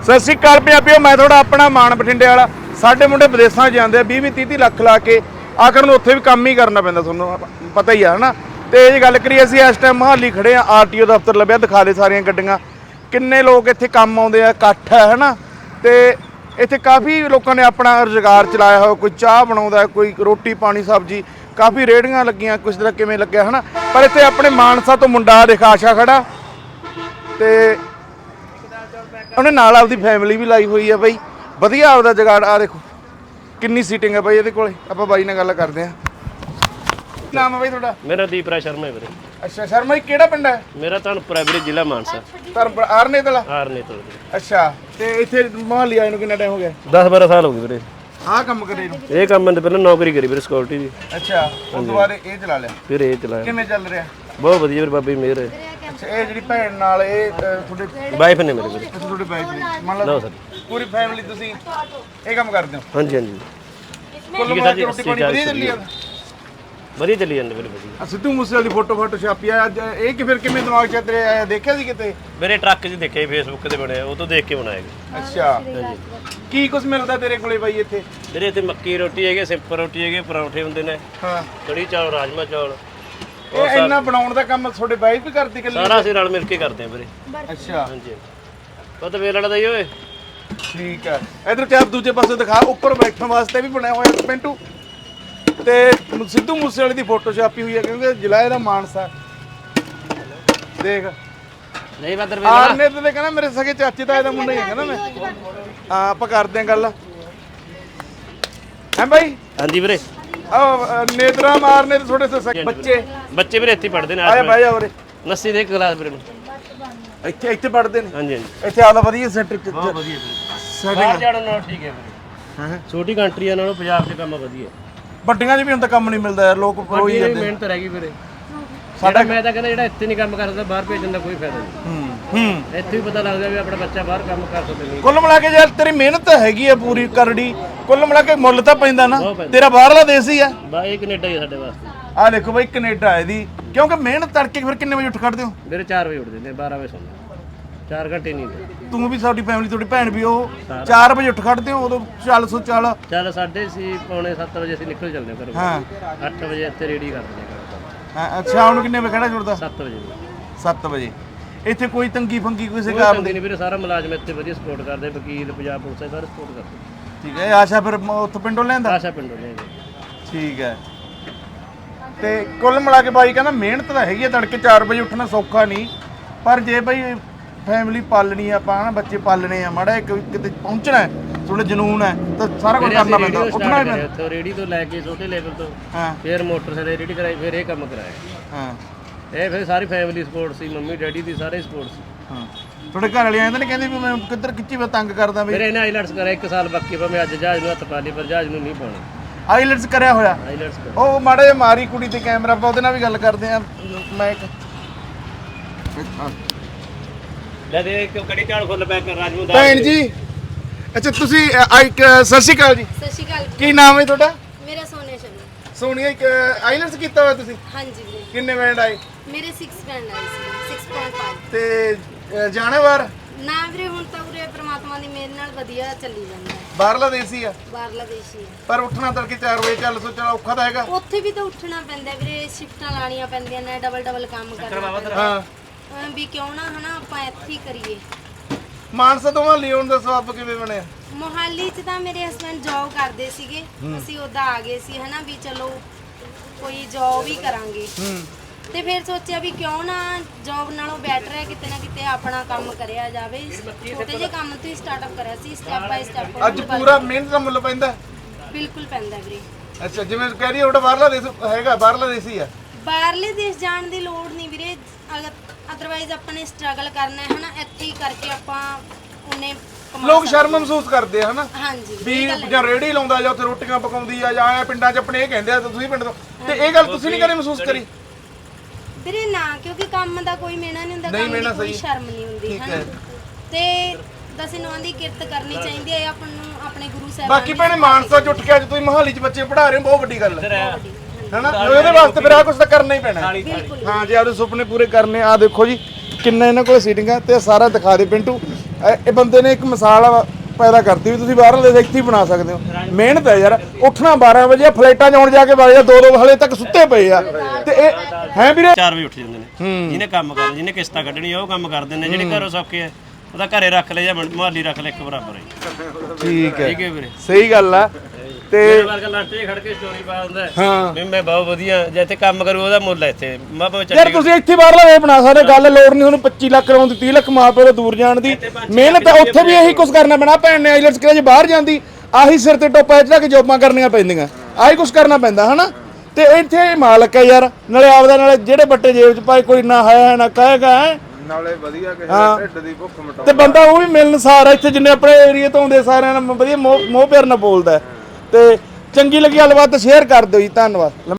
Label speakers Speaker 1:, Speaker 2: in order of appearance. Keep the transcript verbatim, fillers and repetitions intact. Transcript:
Speaker 1: ਸਤਿ ਸ਼੍ਰੀ ਅਕਾਲ ਪੰਜਾਬੀਓ, ਮੈਂ ਤੁਹਾਡਾ ਆਪਣਾ ਮਾਨ ਬਠਿੰਡੇ ਵਾਲਾ। ਸਾਡੇ ਮੁੰਡੇ ਵਿਦੇਸ਼ਾਂ ਜਾਂਦੇ ਆ ਵੀਹ ਵੀਹ ਤੀਹ ਤੀਹ ਲੱਖ ਲਾ ਕੇ, ਆਖਰ ਨੂੰ ਉੱਥੇ ਵੀ ਕੰਮ ਹੀ ਕਰਨਾ ਪੈਂਦਾ, ਤੁਹਾਨੂੰ ਪਤਾ ਹੀ ਆ ਹਨਾ। ਤੇ ਇਹ ਗੱਲ ਕਰੀਏ, ਅਸੀਂ ਇਸ ਟਾਈਮ ਮੋਹਾਲੀ ਖੜੇ ਆ, ਆਰ ਟੀ ਓ ਦਫ਼ਤਰ ਲੱਭਿਆ, ਦਿਖਾ ਦੇ ਸਾਰੀਆਂ ਗੱਡੀਆਂ, ਕਿੰਨੇ ਲੋਕ ਇੱਥੇ ਕੰਮ ਆਉਂਦੇ ਆ, ਇਕੱਠ ਹੈ ਹਨਾ। ਤੇ ਇੱਥੇ ਕਾਫੀ ਲੋਕਾਂ ਨੇ ਆਪਣਾ ਰੁਜ਼ਗਾਰ ਚਲਾਇਆ ਹੋਇਆ, ਕੋਈ ਚਾਹ ਬਣਾਉਂਦਾ, ਕੋਈ ਰੋਟੀ ਪਾਣੀ ਸਬਜ਼ੀ, ਕਾਫੀ ਰੇਹੜੀਆਂ ਲੱਗੀਆਂ, ਕੁਛ ਤਰ੍ਹਾਂ ਕਿਵੇਂ ਲੱਗਿਆ ਹਨਾ। ਪਰ ਇੱਥੇ ਆਪਣੇ ਮਾਨਸਾ ਤੋਂ ਮੁੰਡਾ ਦੇਖ ਆਸ਼ਾ ਖੜਾ, ਤੇ ਉਹਨੇ ਨਾਲ ਆਪਦੀ ਫੈਮਿਲੀ ਵੀ ਲਾਈ ਹੋਈ ਆ ਬਾਈ, ਵਧੀਆ ਆਪਦਾ ਜਗਾੜ। ਆ ਦੇਖੋ ਕਿੰਨੀ ਸੀਟਿੰਗ ਹੈ ਬਾਈ ਇਹਦੇ ਕੋਲੇ। ਆਪਾਂ ਬਾਈ ਨਾਲ ਗੱਲ ਕਰਦੇ ਆ। ਨਾਮ ਹੈ ਬਾਈ ਤੁਹਾਡਾ?
Speaker 2: ਮੇਰਾ ਦੀਪਰਾ ਸ਼ਰਮਾ ਹੈ ਵੀਰੇ।
Speaker 1: ਅੱਛਾ ਸ਼ਰਮਾ ਜੀ, ਕਿਹੜਾ ਪਿੰਡ ਹੈ?
Speaker 2: ਮੇਰਾ ਧਨਪੁਰਾ ਵੀਰੇ, ਜ਼ਿਲ੍ਹਾ ਮਾਨਸਾ।
Speaker 1: ਧਨਪੁਰਾ ਆਰਨੇ ਤਲਾ?
Speaker 2: ਆਰਨੇ ਤੋਂ।
Speaker 1: ਅੱਛਾ, ਤੇ ਇੱਥੇ ਮੋਹਾਲੀ ਆਏ ਨੂੰ ਕਿੰਨਾ ਟਾਈਮ ਹੋ ਗਿਆ?
Speaker 2: ਦਸ ਬਾਰਾਂ ਸਾਲ ਹੋ ਗਏ ਵੀਰੇ।
Speaker 1: ਆਹ ਕੰਮ ਕਰੇ ਨੂੰ?
Speaker 2: ਇਹ ਕੰਮ ਮੈਂ ਪਹਿਲਾਂ ਨੌਕਰੀ ਕਰੀ ਵੀਰੇ, ਸਿਕਿਉਰਿਟੀ ਦੀ।
Speaker 1: ਅੱਛਾ, ਉਸ ਤੋਂ ਬਾਅਦ ਇਹ ਚਲਾ ਲਿਆ?
Speaker 2: ਫਿਰ ਇਹ ਚਲਾਇਆ।
Speaker 1: ਕਿਵੇਂ ਚੱਲ ਰਿਹਾ?
Speaker 2: ਬਹੁਤ ਵਧੀਆ ਵੀਰੇ, ਬਾਬੇ ਦੀ ਮਿਹਰ ਹੈ।
Speaker 1: ਅੱਛਾ, ਇਹ ਜਿਹੜੀ ਭੈਣ ਨਾਲ ਇਹ ਤੁਹਾਡੇ
Speaker 2: ਵਾਈਫ ਨੇ ਮੇਰੇ ਵੀਰੇ।
Speaker 1: ਤੁਹਾਡੇ ਵਾਈਫ ਨੇ? ਮੰਨ ਲਓ ਪੂਰੀ ਫੈਮਿਲੀ ਤੁਸੀਂ ਇਹ ਕੰਮ ਕਰਦੇ ਹੋ?
Speaker 2: ਹਾਂਜੀ ਹਾਂਜੀ,
Speaker 1: ਕੁੱਲ ਮਿਲਾ ਕੇ ਰੋਟੀ ਪਾਣੀ ਵਧੀਆ ਚੱਲੀ ਜਾਂਦਾ?
Speaker 2: ਵਧੀਆ ਚੱਲੀ ਜਾਂਦਾ ਵੀਰੇ, ਵਧੀਆ।
Speaker 1: ਸਿੱਧੂ ਮੂਸੇਵਾਲੇ ਦੀ ਫੋਟੋ ਫੋਟੋ ਛਾਪੀ ਆ ਅੱਜ, ਇਹ ਕਿ ਫਿਰ ਕਿਵੇਂ ਦਿਮਾਗ 'ਚ ਤੇਰੇ ਆਇਆ? ਦੇਖਿਆ ਸੀ ਕਿਤੇ?
Speaker 2: ਮੇਰੇ ਟਰੱਕ 'ਚ ਦੇਖਿਆ ਫੇਸਬੁੱਕ ਤੇ ਬਣਿਆ, ਉਹ ਤੋਂ ਦੇਖ ਕੇ ਬਣਾਇਆ ਗਿਆ।
Speaker 1: ਅੱਛਾ,
Speaker 2: ਹਾਂਜੀ।
Speaker 1: ਕੀ ਕੁਝ ਮਿਲਦਾ ਤੇਰੇ ਕੋਲੇ ਬਾਈ ਇੱਥੇ?
Speaker 2: ਵੀਰੇ ਇੱਥੇ ਮੱਕੀ ਰੋਟੀ ਹੈਗੀ, ਸਿੰਪਲ ਰੋਟੀ ਹੈਗੀ, ਪਰੌਂਠੇ ਹੁੰਦੇ ਨੇ,
Speaker 1: ਹਾਂ,
Speaker 2: ਕੜੀ ਚਾਵਲ, ਰਾਜਮਾ ਚਾਵਲ।
Speaker 1: ਇਹ ਇੰਨਾ ਬਣਾਉਣ ਦਾ ਕੰਮ ਤੁਹਾਡੇ ਵਾਈਫ ਵੀ ਕਰਦੀ ਕੱਲੀ?
Speaker 2: ਸਾਰਾ ਅਸੀਂ ਰਲ ਮਿਲ ਕੇ ਕਰਦੇ ਆ ਵੀਰੇ।
Speaker 1: ਅੱਛਾ,
Speaker 2: ਹਾਂਜੀ, ਪਤਾ ਵੇਲ ਵਾਲਾ ਦਾ ਹੀ ਓਏ।
Speaker 1: ਠੀਕ ਹੈ। ਇਧਰ ਚਾਪ ਦੂਜੇ ਪਾਸੇ ਦਿਖਾ, ਉੱਪਰ ਬੈਠਣ ਵਾਸਤੇ ਵੀ ਬਣਿਆ ਹੋਇਆ ਪਿੰਟੂ, ਤੇ ਸਿੱਧੂ ਮੂਸੇਵਾਲੇ ਦੀ ਫੋਟੋ ਛਾਪੀ ਹੋਈ ਹੈ, ਕਿਉਂਕਿ ਜ਼ਿਲ੍ਹਾ ਇਹਦਾ ਮਾਨਸਾ। ਦੇਖ
Speaker 2: ਨਹੀਂ ਬਦਰ
Speaker 1: ਆਰਨੇ ਤੇ ਕਹਿੰਦਾ ਮੇਰੇ ਸਕੇ ਚਾਚੇ ਦਾ ਇਹਦਾ ਮੁੰਡਾ ਹੀ ਹੈ ਨਾ। ਮੈਂ ਹਾਂ, ਆਪਾਂ ਕਰਦੇ ਆਂ ਗੱਲ। ਹੈ ਬਾਈ?
Speaker 2: ਹਾਂਜੀ ਵੀਰੇ।
Speaker 1: ਆ ਨੇਤਰਾ ਮਾਰਨੇ ਤੇ ਥੋੜੇ ਸੇ ਬੱਚੇ
Speaker 2: ਬੱਚੇ ਵੀਰੇ ਇੱਥੇ ਪੜ੍ਹਦੇ ਨੇ।
Speaker 1: ਆਏ ਬਾਈ ਜਾ ਉਰੇ।
Speaker 2: ਨੱਸੀ ਦੇ ਕਲਾਸ ਵੀਰੇ ਨੂੰ
Speaker 1: ਇੱਥੇ ਇੱਥੇ ਪੜ੍ਹਦੇ ਨੇ?
Speaker 2: ਹਾਂਜੀ ਹਾਂਜੀ,
Speaker 1: ਇੱਥੇ ਆਦਾ ਵਧੀਆ ਸੈਟ
Speaker 2: ਬਹੁਤ ਵਧੀਆ ਵੀਰੇ। ਬਾਹਰ ਜਾਣ ਨਾਲ ਠੀਕ ਹੈ ਵੀਰੇ। ਹਾਂ, ਛੋਟੀ ਕੰਟਰੀਆਂ ਨਾਲੋਂ ਪੰਜਾਬ 'ਚ ਕੰਮ ਵਧੀਆ।
Speaker 1: ਵੱਡੀਆਂ 'ਚ ਵੀ ਹੁਣ ਤਾਂ ਕੰਮ ਨਹੀਂ ਮਿਲਦਾ ਯਾਰ, ਲੋਕ ਰੋਈ ਜਾਂਦੇ।
Speaker 2: ਮਿਹਨਤ ਰਹਿ ਗਈ ਵੀਰੇ। ਸਾਡਾ ਮੈਂ ਤਾਂ ਕਹਿੰਦਾ ਜਿਹੜਾ ਇੱਥੇ ਨਹੀਂ ਕੰਮ ਕਰਦਾ ਬਾਹਰ ਭੇਜਣ ਦਾ ਕੋਈ ਫਾਇਦਾ ਨਹੀਂ।
Speaker 1: ਹੂੰ ਹੂੰ,
Speaker 2: ਇੱਥੇ ਵੀ ਪਤਾ ਲੱਗਦਾ ਵੀ ਆਪਣਾ ਬੱਚਾ ਬਾਹਰ ਕੰਮ ਕਰ ਸਕਦਾ।
Speaker 1: ਕੁੱਲ ਮਿਲਾ ਕੇ ਯਾਰ ਤੇਰੀ ਮਿਹਨਤ ਹੈਗੀ ਆ ਪੂਰੀ ਕਰੜੀ, ਕੁੱਲ ਮਿਲਾ ਕੇ ਮੁੱਲ ਤਾਂ ਪੈਂਦਾ ਨਾ। ਤੇਰਾ ਬਾਹਰਲਾ ਦੇਸ਼ ਹੀ ਆ
Speaker 2: ਬਾ, ਇਹ ਕੈਨੇਡਾ ਹੀ ਆ ਸਾਡੇ ਵਾਸਤੇ।
Speaker 1: ਆ ਦੇਖੋ ਬਾਈ, ਕੈਨੇਡਾ ਇਹਦੀ। ਕਿਉਂਕਿ ਮਿਹਨਤ ਤੜਕੇ ਫਿਰ ਕਿੰਨੇ ਵਜੇ ਉੱਠ ਖੜਦੇ ਹੋ?
Speaker 2: ਵੀਰੇ ਚਾਰ ਵਜੇ ਉੱਠਦੇ ਨੇ, ਬਾਰਾਂ ਵਜੇ ਸੌਂਦੇ। ਚਾਰ ਘੰਟੇ ਨਹੀਂ ਦੇ।
Speaker 1: ਤੂੰ ਵੀ, ਸਾਡੀ ਫੈਮਿਲੀ, ਤੁਹਾਡੀ ਭੈਣ ਵੀ, ਉਹ ਚਾਰ ਵਜੇ ਉੱਠ ਖੜਦੇ ਹੋ? ਉਦੋਂ ਚੱਲ ਸੋ ਚੱਲ
Speaker 2: ਚੱਲ ਸਾਢੇ ਸੀ ਪੌਣੇ ਸੱਤ ਵਜੇ ਅਸੀਂ ਨਿਕਲ ਚੱਲਦੇ ਹਾਂ ਘਰੋਂ।
Speaker 1: ਹਾਂ,
Speaker 2: ਅੱਠ ਵਜੇ ਇੱਥੇ ਰੈਡੀ ਕਰ ਦਿੰਦੇ ਹਾਂ।
Speaker 1: ਹਾਂ, ਅੱਛਾ। ਹੁਣ ਕਿੰਨੇ ਵਜੇ ਖੜਾ ਛੁੱਟਦਾ?
Speaker 2: ਸੱਤ ਵਜੇ।
Speaker 1: ਸੱਤ ਵਜੇ। ਇੱਥੇ ਕੋਈ ਤੰਗੀ ਫੰਗੀ ਕਿਸੇ
Speaker 2: ਕੋਈ
Speaker 1: ਕੰਮ
Speaker 2: ਤੰਗੀ
Speaker 1: ਦੀ?
Speaker 2: ਨਹੀਂ ਵੀਰੇ, ਸਾਰਾ ਮੁਲਾਜ਼ਮ ਇੱਥੇ ਵਧੀਆ ਸਪੋਰਟ ਕਰਦੇ, ਵਕੀਲ, ਪੰਜਾਬ ਪੁਲਿਸ ਸਾਰੇ ਸਪੋਰਟ ਕਰਦੇ।
Speaker 1: ਠੀਕ ਹੈ। ਆਸ਼ਾ ਫਿਰ ਉੱਥੋਂ ਪਿੰਡੋਂ ਲੈਂਦਾ?
Speaker 2: ਆਸ਼ਾ ਪਿੰਡੋਂ ਲੈ ਗਏ।
Speaker 1: ਠੀਕ ਹੈ। ਤੇ ਕੁੱਲ ਮਿਲਾ ਕੇ ਬਾਈ ਕਹਿੰਦਾ ਮਿਹਨਤ ਤਾਂ ਹੈਗੀ ਆ, ਤੜਕੇ ਚਾਰ ਵਜੇ ਉੱਠਣਾ ਸੌਖਾ ਨਹੀਂ, ਪਰ ਜੇ ਬਾਈ ਫੈਮਿਲੀ ਪਾਲਣੀ ਆ ਆਪਾਂ, ਹਨਾ ਬੱਚੇ ਪਾਲਣੇ ਆ, ਮਾੜਾ ਕਿਤੇ ਪਹੁੰਚਣਾ ਹੈ, ਥੋੜਾ ਜਨੂਨ ਹੈ, ਤਾਂ ਸਾਰਾ ਕੁਝ ਕਰਨਾ ਪੈਂਦਾ, ਉੱਠਣਾ ਹੀ ਪੈਂਦਾ।
Speaker 2: ਉੱਥੋਂ ਰੇੜੀ ਤੋਂ ਲੈ ਕੇ ਛੋਟੇ ਲੈਵਲ ਤੋਂ,
Speaker 1: ਹਾਂ,
Speaker 2: ਫਿਰ ਮੋਟਰਸਾਈਕਲ ਰੇੜੀ ਕਰਾਈ, ਫਿਰ ਇਹ ਕੰਮ ਕਰਾਇਆ।
Speaker 1: ਹਾਂ,
Speaker 2: ਇਹ ਫਿਰ ਸਾਰੀ ਫੈਮਿਲੀ ਸਪੋਰਟ ਸੀ, ਮੰਮੀ ਡੈਡੀ ਦੀ ਸਾਰੇ ਸਪੋਰਟ ਸੀ।
Speaker 1: ਹਾਂ, ਤੁਹਾਡੇ ਘਰ ਵਾਲੇ ਆਏ ਤਾਂ ਨਹੀਂ ਕਹਿੰਦੇ ਵੀ ਮੈਂ ਕਿੱਧਰ ਖਿੱਚੀ ਮੈਂ ਤੰਗ ਕਰਦਾ? ਵੀ
Speaker 2: ਫਿਰ ਇਹਨੇ ਆਈਲੈਟਸ ਕਰਿਆ ਇੱਕ ਸਾਲ, ਬਾਕੀ ਪਰ ਮੈਂ ਅੱਜ ਜਹਾਜ਼ ਨੂੰ ਹੱਥ ਪਾ ਲਈ, ਪਰ ਜਹਾਜ਼ ਨੂੰ ਨਹੀਂ ਪਾਉਣਾ।
Speaker 1: ਆਈਲੈਟਸ ਕਰਿਆ ਹੋਇਆ?
Speaker 2: ਆਈਲੈਟਸ
Speaker 1: ਉਹ ਮਾੜੇ ਜਿਹੇ ਮਾਰੀ ਕੁੜੀ ਤੇ ਕੈਮਰਾ, ਆਪਾਂ ਉਹਦੇ ਨਾਲ ਵੀ ਗੱਲ ਕਰਦੇ ਆ। ਮੈਂ ਇੱਕ
Speaker 2: ਲੈ ਦੇ ਇੱਕ ਕੜੀ ਚਾਲ ਫੁੱਲ ਪੈਕ ਕਰ ਰਾਜਮੂ ਦਾ।
Speaker 1: ਭੈਣ ਜੀ, ਅੱਛਾ ਤੁਸੀਂ ਸਤਿ ਸ਼੍ਰੀ ਅਕਾਲ ਜੀ।
Speaker 3: ਸਤਿ ਸ਼੍ਰੀ ਅਕਾਲ।
Speaker 1: ਕੀ ਨਾਮ ਹੈ ਤੁਹਾਡਾ?
Speaker 3: ਮੇਰਾ ਸੋਨੇ ਸ਼ਰਮਾ।
Speaker 1: ਸੋਨੀਆ, ਇੱਕ ਆਈਲੈਟਸ ਕੀਤਾ ਹੋਇਆ ਤੁਸੀਂ?
Speaker 3: ਹਾਂਜੀ ਵੀਰੇ।
Speaker 1: ਕਿੰਨੇ ਬੈਂਡ ਆਏ?
Speaker 3: ਮੇਰੇ ਛੇ ਬੈਂਡ ਆਏ ਸੀ, ਛੇ ਪੁਆਇੰਟ ਪੰਜ।
Speaker 1: ਤੇ ਜਾਣਾ ਬਾਹਰ?
Speaker 3: ਨਾ ਵੀਰੇ, ਹੁਣ ਤਾਂ ਉਰੇ ਪ੍ਰਮਾਤਮਾ ਦੀ ਮਿਹਰ ਨਾਲ ਵਧੀਆ ਚੱਲੀ ਜਾਂਦਾ ਹੈ।
Speaker 1: ਬਾਹਰਲਾ ਦੇਸ਼ ਹੀ ਆ?
Speaker 3: ਬਾਹਰਲਾ ਦੇਸ਼ ਹੀ ਹੈ।
Speaker 1: ਪਰ ਉੱਠਣਾ ਤੜਕੇ ਚਾਰ ਵਜੇ ਚੱਲ ਸੋ ਚੱਲ ਔਖਾ ਤਾਂ ਹੈਗਾ।
Speaker 3: ਉੱਥੇ ਵੀ ਤਾਂ ਉੱਠਣਾ ਪੈਂਦਾ ਵੀਰੇ, ਸ਼ਿਫਟਾਂ ਲਾਣੀਆਂ ਪੈਂਦੀਆਂ ਨੇ, ਡਬਲ ਡਬਲ ਕੰਮ ਕਰਨਾ ਪੈਂਦਾ।
Speaker 1: ਹਾਂ,
Speaker 3: ਐਂ ਵੀ ਕਿਉਂ ਨਾ ਹਨਾ ਆਪਾਂ ਇੱਥੇ ਹੀ ਕਰੀਏ।
Speaker 1: ਮਾਨਸਾ ਤੋਂ ਮੋਹਾਲੀ ਆਉਣ ਦਾ ਸਬਬ ਕਿਵੇਂ ਬਣਿਆ?
Speaker 3: ਮੋਹਾਲੀ 'ਚ ਤਾਂ ਮੇਰੇ ਹਸਬੰਡ ਜੌਬ ਕਰਦੇ ਸੀਗੇ, ਅਸੀਂ ਉੱਦਾਂ ਆ ਗਏ ਸੀ ਹਨਾ, ਵੀ ਚਲੋ ਕੋਈ ਜੌਬ ਹੀ ਕਰਾਂਗੇ।
Speaker 1: ਹੂੰ,
Speaker 3: ਤੇ ਫਿਰ ਸੋਚਿਆ ਵੀ ਕਿਉਂ ਨਾ ਜੌਬ ਨਾਲੋਂ ਬੈਟਰ ਹੈ ਕਿਤੇ ਨਾ ਕਿਤੇ ਆਪਣਾ ਕੰਮ ਕਰਿਆ ਜਾਵੇ। ਛੋਟੇ ਜਿਹੇ ਕੰਮ ਤੋਂ ਹੀ ਸਟਾਰਟਅਪ ਕਰਿਆ ਸੀ, ਸਟੈਪ ਬਾਈ ਸਟੈਪ।
Speaker 1: ਅੱਜ ਪੂਰਾ ਮਿਹਨਤ ਦਾ ਮੁੱਲ ਪੈਂਦਾ?
Speaker 3: ਬਿਲਕੁਲ ਪੈਂਦਾ ਵੀਰੇ।
Speaker 1: ਅੱਛਾ, ਜਿਵੇਂ ਕਹਿ ਰਹੀ ਉਹਦਾ ਬਾਹਰਲਾ ਦੇਸ਼ ਹੈਗਾ, ਬਾਹਰਲਾ ਦੇਸ਼ ਹੀ ਆ?
Speaker 3: ਬਾਹਰਲੇ ਦੇਸ਼ ਜਾਣ ਦੀ ਲੋੜ ਨਹੀਂ ਵੀਰੇ, ਅਦਰਵਾਈਜ਼ ਆਪਾਂ ਨੇ ਸਟਰਗਲ ਕਰਨਾ ਹੈ ਹਨਾ, ਇੱਥੇ ਹੀ ਕਰਕੇ ਆਪਾਂ ਉਹਨੇ
Speaker 1: ਲੋਕ ਸ਼ਰਮ ਮਹਿਸੂਸ ਕਰਦੇ ਆ ਹਨਾ,
Speaker 3: ਹਾਂਜੀ
Speaker 1: ਵੀ ਜਾਂ ਰੇੜੀ ਲਾਉਂਦਾ ਜਾਂ ਉੱਥੇ ਰੋਟੀਆਂ ਪਕਾਉਂਦੀ ਆ ਜਾਂ ਆਇਆ ਪਿੰਡਾਂ 'ਚ ਆਪਣੇ ਇਹ ਕਹਿੰਦੇ ਆ, ਤੁਸੀਂ ਪਿੰਡ ਤੋਂ, ਤੇ ਇਹ ਗੱਲ ਤੁਸੀਂ ਨਹੀਂ ਕਦੇ ਮਹਿਸੂਸ ਕਰੀ?
Speaker 3: ਵੀਰੇ ਨਾ, ਕਿਉਂਕਿ ਕੰਮ ਦਾ ਕੋਈ ਮੇਣਾ ਨਹੀਂ ਹੁੰਦਾ, ਕੰਮ ਦੀ ਕੋਈ ਸ਼ਰਮ ਨਹੀਂ ਹੁੰਦੀ ਹਨਾ। ਤੇ ਦਸੇ ਨੌਂ ਦੀ ਕਿਰਤ ਕਰਨੀ ਚਾਹੀਦੀ ਹੈ ਆਪਾਂ ਨੂੰ, ਆਪਣੇ ਗੁਰੂ ਸਾਹਿਬ।
Speaker 1: ਬਾਕੀ ਭੈਣੇ ਮਾਨਸਾ 'ਚ ਉੱਠ ਕੇ ਅੱਜ ਤੁਸੀਂ ਮੋਹਾਲੀ 'ਚ ਬੱਚੇ ਪੜ੍ਹਾ ਰਹੇ ਹੋ, ਬਹੁਤ ਵੱਡੀ ਗੱਲ ਹੈ ਹਨਾ। ਉਹਦੇ ਵਾਸਤੇ ਫਿਰ ਆ ਕੁਝ ਤਾਂ ਕਰਨਾ ਹੀ ਪੈਣਾ। ਹਾਂ, ਜੇ ਆਪਦੇ ਸੁਪਨੇ ਪੂਰੇ ਕਰਨੇ ਆ। ਦੇਖੋ ਜੀ ਕਿੰਨਾ ਇਹਨਾਂ ਕੋਲ ਸੀਟਿੰਗਾਂ, ਤੇ ਸਾਰਾ ਦਿਖਾ ਦੇ ਪਿੰਟੂ। ਇਹ- ਇਹ ਬੰਦੇ ਨੇ ਇੱਕ ਮਿਸਾਲ ਪੈਦਾ ਕਰਤੀ ਵੀ ਤੁਸੀਂ ਬਾਹਰਲੇ ਦੇਸ਼ ਇੱਥੇ ਹੀ ਬਣਾ ਸਕਦੇ ਹੋ। ਮਿਹਨਤ ਹੈ ਯਾਰ, ਉੱਠਣਾ ਬਾਰਾਂ ਵਜੇ, ਫਲਾਈਟਾਂ 'ਚ ਆਉਣ ਜਾ ਕੇ ਵਜੇ ਦੋ ਦੋ ਹਲੇ ਤੱਕ ਸੁੱਤੇ ਪਏ ਆ। ਤੇ ਇਹ ਹੈ ਵੀਰੇ
Speaker 2: ਚਾਰ ਵਜੇ ਉੱਠ ਜਾਂਦੇ ਨੇ, ਜਿਹਨੇ ਕੰਮ ਕਰਨਾ, ਜਿਹਨੇ ਕਿਸ਼ਤਾਂ ਕੱਢਣੀ ਉਹ ਕੰਮ ਕਰਦੇ ਨੇ, ਜਿਹੜੇ ਘਰੋਂ ਸੌਖੇ ਆ ਉਹਦਾ ਘਰੇ ਰੱਖ ਲੈ ਜਾਂ ਮੁਹੱਲੀ ਰੱਖ ਲੈ, ਇੱਕ ਬਰਾਬਰ ਹੈ।
Speaker 1: ਠੀਕ ਹੈ,
Speaker 2: ਠੀਕ ਹੈ ਵੀਰੇ,
Speaker 1: ਸਹੀ ਗੱਲ ਆ। ਤੇ
Speaker 2: ਮੇਰੇ ਵਰਗਾ ਲੰਚ 'ਚ ਖੜ ਕੇ ਸਟੋਰੀ ਪਾ ਦਿੰਦਾ
Speaker 1: ਹਾਂ
Speaker 2: ਵੀ ਮੈਂ ਬਹੁਤ ਵਧੀਆ, ਜੇ ਇੱਥੇ ਕੰਮ ਕਰੂ ਉਹਦਾ ਮੁੱਲ ਹੈ ਇੱਥੇ। ਮੈਂ ਭਾਵੇਂ
Speaker 1: ਯਾਰ
Speaker 2: ਚੰਡੀਗੜ੍ਹ
Speaker 1: ਤੁਸੀਂ ਇੱਥੇ ਬਾਹਰਲਾ ਵੇ ਬਣਾ ਸਕਦੇ, ਗੱਲ ਲੋੜ ਨਹੀਂ ਉਹਨੂੰ ਪੱਚੀ ਲੱਖ ਰੋਣ ਦੀ, ਤੀਹ ਲੱਖ ਮਾਂ ਪਿਓ ਤੋਂ ਦੂਰ ਜਾਣ ਦੀ। ਮਿਹਨਤ ਉੱਥੇ ਵੀ ਇਹੀ ਕੁਝ ਕਰਨਾ ਪੈਣਾ। ਭੈਣ ਨੇ ਆਈਲੈਟਸ ਕਰਿਆ, ਜੇ ਬਾਹਰ ਜਾਂਦੀ ਆਹੀ ਸਿਰ ਤੇ ਟੋਪਾ ਚੜਾ ਕੇ ਜੋਬਾਂ ਕਰਨੀਆਂ ਪੈਂਦੀਆਂ, ਆਹੀ ਕੁਝ ਕਰਨਾ ਪੈਂਦਾ ਹਨਾ। ਤੇ ਇੱਥੇ ਮਾਲਕ ਹੈ ਯਾਰ, ਨਾਲੇ ਆਪਦਾ, ਨਾਲੇ ਜਿਹੜੇ ਬੱਟੇ ਜੇਬ 'ਚ ਪਾਏ, ਕੋਈ ਨਾ ਹੈ ਨਾ ਕਹੇਗਾ,
Speaker 4: ਨਾਲੇ ਵਧੀਆ ਕਿਸੇ ਦੇ ਢਿੱਡ ਦੀ ਭੁੱਖ ਮਿਟਾਉਂਦਾ।
Speaker 1: ਤੇ ਬੰਦਾ ਉਹ ਵੀ ਮਿਲਣਸਾਰ ਆ, ਇੱਥੇ ਜਿੰਨੇ ਆਪਣੇ ਏਰੀਏ ਤੋਂ ਆਉਂਦੇ ਸਾਰਿਆਂ ਨਾਲ ਵਧੀਆ ਮੋਹ ਮੋਹ ਪਿਆਰ ਨਾਲ ਬੋਲਦਾ। ਤੇ ਚੰਗੀ ਲੱਗੀ ਗੱਲਬਾਤ ਸ਼ੇਅਰ ਕਰ ਦਿਓ ਜੀ, ਧੰਨਵਾਦ।